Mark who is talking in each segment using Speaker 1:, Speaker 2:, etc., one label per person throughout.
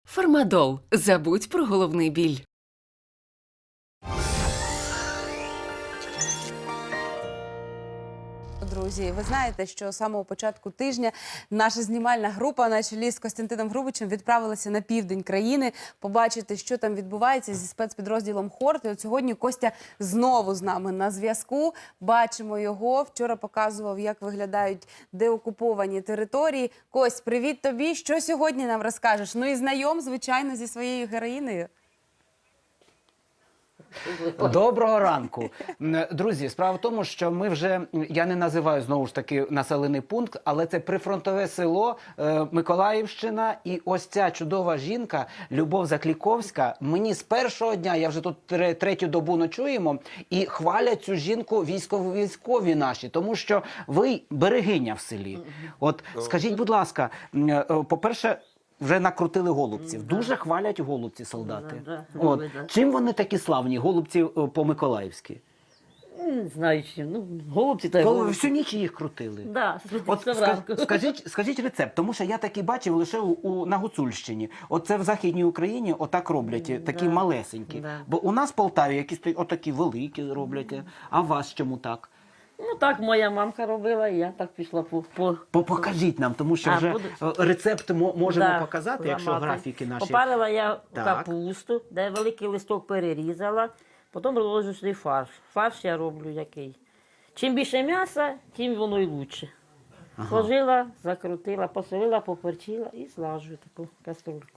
Speaker 1: Фармадол. Забудь про головний біль.
Speaker 2: Друзі, ви знаєте, що з самого початку тижня наша знімальна група на чолі з Костянтином Грубичем відправилася на південь країни побачити, що там відбувається зі спецпідрозділом «Хорт». І от сьогодні Костя знову з нами на зв'язку. Бачимо його. Вчора показував, як виглядають деокуповані території. Кость, привіт тобі. Що сьогодні нам розкажеш? Ну і знайом, звичайно, зі своєю героїнею.
Speaker 3: Доброго ранку. Друзі, справа в тому, що ми вже, я не називаю знову ж таки населений пункт, але це прифронтове село Миколаївщина. І ось ця чудова жінка, Любов Закліковська, мені з першого дня, я вже тут третю добу ночуємо, і хвалять цю жінку військові наші, тому що ви берегиня в селі. От скажіть, будь ласка, по-перше, вже накрутили голубців. Дуже хвалять голубці солдати. От. Чим вони такі славні, голубці по-миколаївськи?
Speaker 4: Не знаю чим. Ну, голубці та й
Speaker 3: Коли
Speaker 4: голубці.
Speaker 3: всю ніч їх крутили.
Speaker 4: Да,
Speaker 3: От скажіть рецепт, тому що я такий бачив лише на Гуцульщині. От це в Західній Україні отак роблять, такі малесенькі.
Speaker 4: Да.
Speaker 3: Бо у нас в Полтаві якісь отакі великі роблять. А у вас чому так?
Speaker 4: Ну так моя мамка робила, і я так пішла по...
Speaker 3: Покажіть нам, тому що вже рецепт можемо
Speaker 4: Да,
Speaker 3: показати, якщо
Speaker 4: ламати.
Speaker 3: графіки наші.
Speaker 4: Попарила я
Speaker 3: Так.
Speaker 4: капусту, де великий листок перерізала, потім розложу сюди фарш. Фарш я роблю який. Чим більше м'яса, тим воно і лучше. Сложила, закрутила, посолила, поперчила і слажу таку каструльку.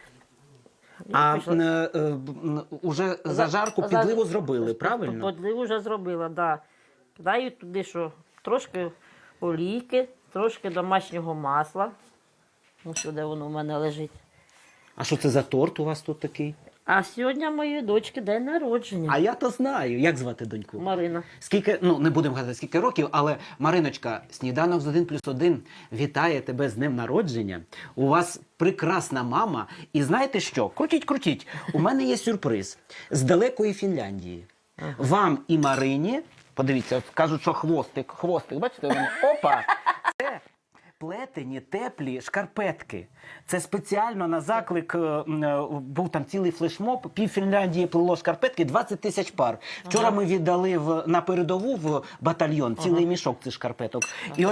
Speaker 4: І
Speaker 3: А
Speaker 4: пішла.
Speaker 3: уже зажарку, підливу зробили, правильно?
Speaker 4: Підливу вже зробила, так. Да. Даю туди що? Трошки олійки, трошки домашнього масла. Ну, сюди воно в мене лежить.
Speaker 3: А що це за торт у вас тут такий?
Speaker 4: А сьогодні моєї дочки день народження.
Speaker 3: А я то знаю. Як звати доньку?
Speaker 4: Марина.
Speaker 3: Скільки, ну не будемо казати скільки років, але Мариночка, сніданок з 1+1 вітає тебе з днем народження. У вас прекрасна мама. І знаєте що? Крутіть. У мене є сюрприз з далекої Фінляндії. Вам і Марині, подивіться, кажуть, що хвостик, бачите, у мене, опа, це плетені, теплі шкарпетки. Це спеціально на заклик, був там цілий флешмоб, пів Фінляндії плело шкарпетки, 20 тисяч пар. Вчора ми віддали на передову в батальйон цілий мішок цих шкарпеток.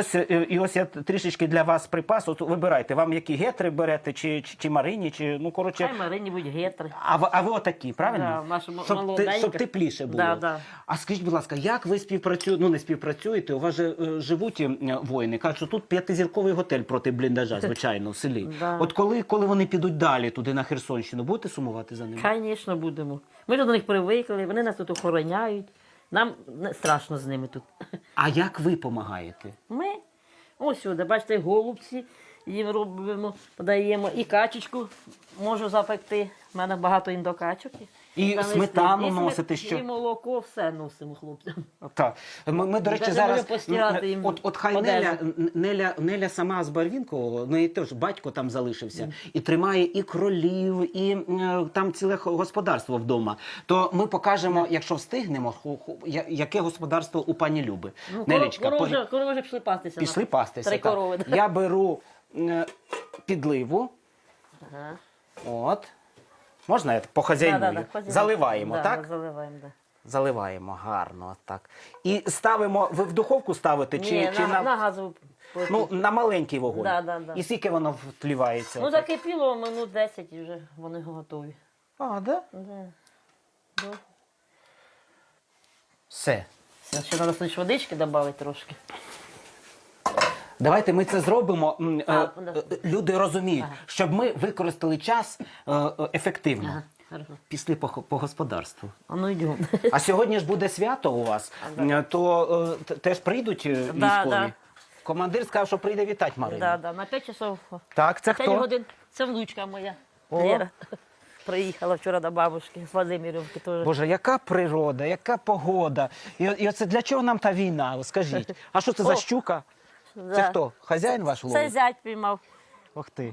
Speaker 3: І ось я трішечки для вас припас, от вибирайте, вам які гетри берете, чи Марині, чи, ну, коротше.
Speaker 4: Хай Марині будь гетри.
Speaker 3: А ви отакі, правильно?
Speaker 4: Да, наша
Speaker 3: Щоб тепліше було.
Speaker 4: Да.
Speaker 3: А скажіть, будь ласка, як ви співпрацюєте, ну не співпрацюєте, у вас же живуть воїни, кажуть, що тут 5-зірковий готель проти бліндажа, звичайно, в селі.
Speaker 4: Да.
Speaker 3: От коли вони підуть далі, туди на Херсонщину, будете сумувати за ними?
Speaker 4: Звісно, будемо. Ми до них привикли, вони нас тут охороняють. Нам не страшно з ними тут.
Speaker 3: А як ви допомагаєте?
Speaker 4: Ми ось сюди, бачите, голубці їм робимо, подаємо і качечку можу запекти. У мене багато індокачок.
Speaker 3: І
Speaker 4: Завести.
Speaker 3: сметану
Speaker 4: І
Speaker 3: носите, що?
Speaker 4: І молоко, все носимо хлопцям.
Speaker 3: Так. Ми, до речі,
Speaker 4: Навіть
Speaker 3: зараз,
Speaker 4: можу постирати їм
Speaker 3: от хай Неля сама з Барвінкового, в неї теж батько там залишився, і тримає і кролів, і там ціле господарство вдома. То ми покажемо, якщо встигнемо, яке господарство у пані Люби.
Speaker 4: Ну,
Speaker 3: Нелечка,
Speaker 4: корови вже пішли пастися.
Speaker 3: пішли пастися.
Speaker 4: 3
Speaker 3: так.
Speaker 4: корови.
Speaker 3: Я беру підливу.
Speaker 4: Ага.
Speaker 3: От. Можна я похазяйную? Заливаємо,
Speaker 4: да,
Speaker 3: так?
Speaker 4: Заливаємо, так.
Speaker 3: Заливаємо гарно, так. І ставимо, ви в духовку ставите?
Speaker 4: Ні,
Speaker 3: чи
Speaker 4: на газову.
Speaker 3: Ну, на маленький вогонь.
Speaker 4: Да.
Speaker 3: І скільки воно втлівається?
Speaker 4: Ну, закипіло минут 10 і вже вони готові.
Speaker 3: А, да?
Speaker 4: Да.
Speaker 3: Все.
Speaker 4: Все, ще треба лише водички додати трошки.
Speaker 3: Давайте ми це зробимо.
Speaker 4: Да.
Speaker 3: Люди розуміють, щоб ми використали час ефективно.
Speaker 4: Ага, хорошо.
Speaker 3: Пішли по господарству.
Speaker 4: А ну йдемо.
Speaker 3: А сьогодні ж буде свято у вас, то теж прийдуть військові?
Speaker 4: да.
Speaker 3: Командир сказав, що прийде вітати Марину.
Speaker 4: Да, на 5 часов.
Speaker 3: Так, це
Speaker 4: 5
Speaker 3: хто?
Speaker 4: годин. Це внучка моя.
Speaker 3: О.
Speaker 4: Лера. Приїхала вчора до бабушки з Владимирівки теж.
Speaker 3: Боже, яка природа, яка погода. І оце для чого нам та війна, скажіть? А що це за щука?
Speaker 4: Да.
Speaker 3: Це хто? Хазяїн ваш
Speaker 4: Це
Speaker 3: ловить?
Speaker 4: зять піймав.
Speaker 3: Ох ти.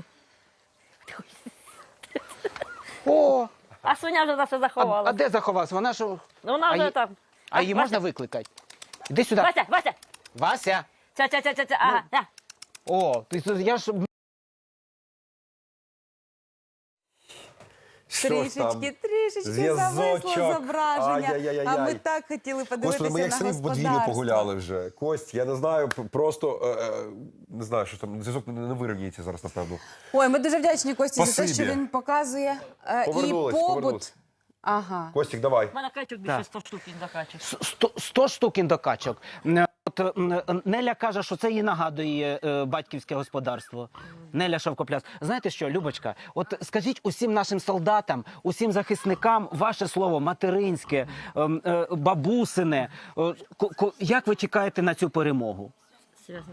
Speaker 3: О,
Speaker 4: А свиня вже наша заховала.
Speaker 3: а де заховався? Вона ж...
Speaker 4: Ну, вона вже там.
Speaker 3: А її можна викликати? Іди сюди.
Speaker 4: Вася!
Speaker 3: Вася.
Speaker 4: Ага, да.
Speaker 3: О, я ж
Speaker 5: Що ж там?
Speaker 2: Трішечки
Speaker 5: Зв'язочок.
Speaker 2: зависло зображення.
Speaker 5: Ай-яй-яй-яй.
Speaker 2: А ми так хотіли подивитися
Speaker 5: Господи, ми як
Speaker 2: на
Speaker 5: самі в подвір'ю
Speaker 2: господарство.
Speaker 5: погуляли вже. Кость, я не знаю, просто не знаю, що там, зв'язок не вирівнюється зараз, напевно.
Speaker 2: Ой, ми дуже вдячні Кості за те,
Speaker 5: Спасибі.
Speaker 2: що він показує і
Speaker 5: Повернулись,
Speaker 2: побут.
Speaker 5: повернулись.
Speaker 2: Ага.
Speaker 5: Костік, давай.
Speaker 4: У мене качок більше 100 штук він закачив.
Speaker 3: 100 штук індокачок. От Неля каже, що це їй нагадує батьківське господарство. Неля Шовкопляс. Знаєте що, Любочка, от скажіть усім нашим солдатам, усім захисникам ваше слово материнське, бабусине. Як ви чекаєте на цю перемогу?
Speaker 4: Серйозно.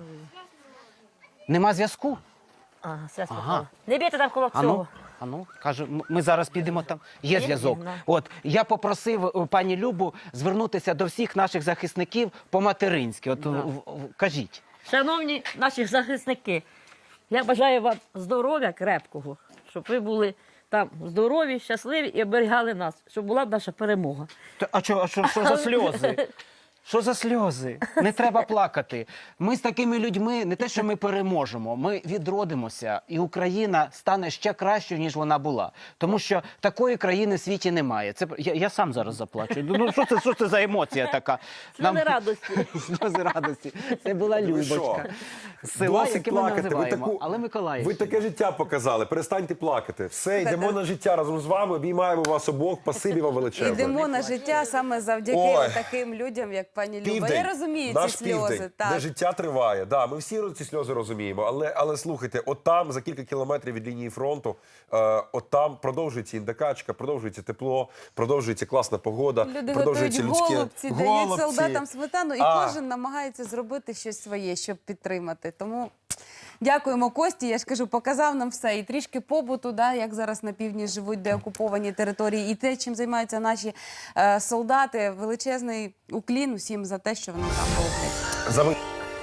Speaker 3: Нема зв'язку?
Speaker 4: Ага, все
Speaker 3: Ага.
Speaker 4: Не бійте там коло цього.
Speaker 3: Ану, кажу, ми зараз підемо там. Є зв'язок.
Speaker 4: на.
Speaker 3: От я попросив пані Любу звернутися до всіх наших захисників по-материнськи. От кажіть.
Speaker 4: Шановні наші захисники, я бажаю вам здоров'я крепкого, щоб ви були там здорові, щасливі і оберігали нас, щоб була наша перемога.
Speaker 3: А що за сльози? Що за сльози? Не треба плакати. Ми з такими людьми не те, що ми переможемо, ми відродимося, і Україна стане ще кращою, ніж вона була. Тому що такої країни в світі немає. Це я сам зараз заплачу. Ну що це за емоція така?
Speaker 4: Сльози радості.
Speaker 3: Сльози радості. Це була
Speaker 5: Ви що?
Speaker 3: Любочка. З села,
Speaker 5: Досить
Speaker 3: яке ми
Speaker 5: плакати.
Speaker 3: називаємо. Але
Speaker 5: Ви
Speaker 3: Миколаївщина.
Speaker 5: таке життя показали. Перестаньте плакати. Все, йдемо на життя разом з вами. Обіймаємо вас обох. Спасибі вам величезне.
Speaker 2: Йдемо на життя саме завдяки
Speaker 5: Ой.
Speaker 2: таким людям, як пані Люба.
Speaker 5: Південь.
Speaker 2: Я розумію
Speaker 5: Наш
Speaker 2: ці сльози.
Speaker 5: південь, де
Speaker 2: Так.
Speaker 5: життя триває. Да, ми всі ці сльози розуміємо. Але слухайте, от там, за кілька кілометрів від лінії фронту, от там продовжується індикачка, продовжується тепло, продовжується класна погода,
Speaker 2: Люди готують
Speaker 5: продовжується людське...
Speaker 2: голубці, дають солдатам сметану, і кожен намагається зробити щось своє, щоб підтримати. Тому дякуємо Кості. Я ж кажу, показав нам все. І трішки побуту, да, як зараз на півдні живуть деокуповані території, і те, чим займаються наші солдати. Величезний уклін усім за те, що вони там роблять.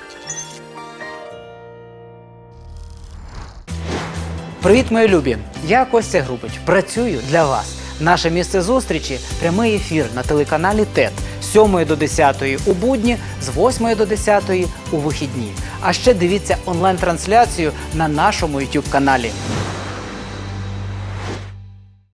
Speaker 6: Привіт, мої любі! Я Костя Грубич. Працюю для вас. Наше місце зустрічі – прямий ефір на телеканалі ТЕТ з 7 до 10 у будні, з 8 до 10 у вихідні. А ще дивіться онлайн-трансляцію на нашому YouTube-каналі.